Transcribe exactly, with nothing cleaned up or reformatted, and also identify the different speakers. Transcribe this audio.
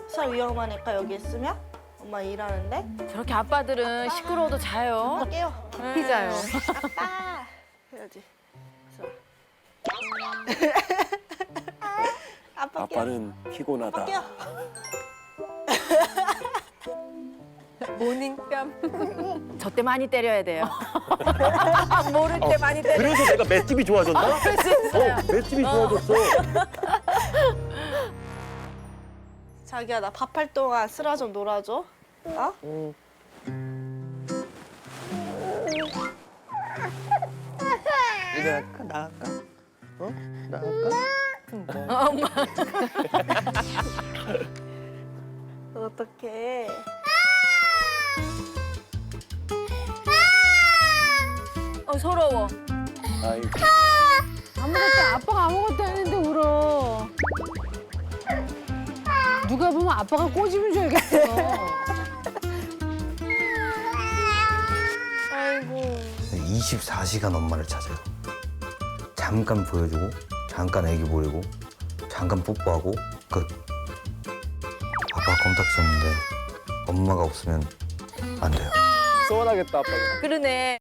Speaker 1: 살 위험하니까 여기 있으면 엄마 일하는데
Speaker 2: 저렇게 아빠들은 시끄러워도 자요.
Speaker 1: 깨요.
Speaker 2: 피자요.
Speaker 1: 아빠 해야지. 좋아. 아빠 깨요.
Speaker 3: 아빠는 피곤하다.
Speaker 1: 깨요.
Speaker 2: 모닝뺨. 저 때 많이 때려야 돼요. 모를 때 많이 때려.
Speaker 3: 그래서 내가 맷집이 좋아졌나?
Speaker 2: 아, 그럴 수 있어요.
Speaker 3: 어, 맷집이 좋아졌어.
Speaker 1: 자기야 나 밥할 동안 쓰라 좀 놀아줘. 어?
Speaker 3: 어. 이거 할까? 나 할까? 어? 나 할까?
Speaker 2: 엄마.
Speaker 1: 어떡해.
Speaker 2: 어, 서러워.
Speaker 3: 아이고.
Speaker 4: 아무것도 아빠가 아무것도 했는데 울어. 누가 보면 아빠가 꼬집은 줄 알겠어.
Speaker 1: 아이고.
Speaker 5: 이십사 시간 엄마를 찾아요. 잠깐 보여주고, 잠깐 애기 보이고, 잠깐 뽀뽀하고 끝. 아빠 껌딱 쳤는데 엄마가 없으면 안 돼요.
Speaker 3: 서운하겠다, 아빠가.
Speaker 2: 그러네.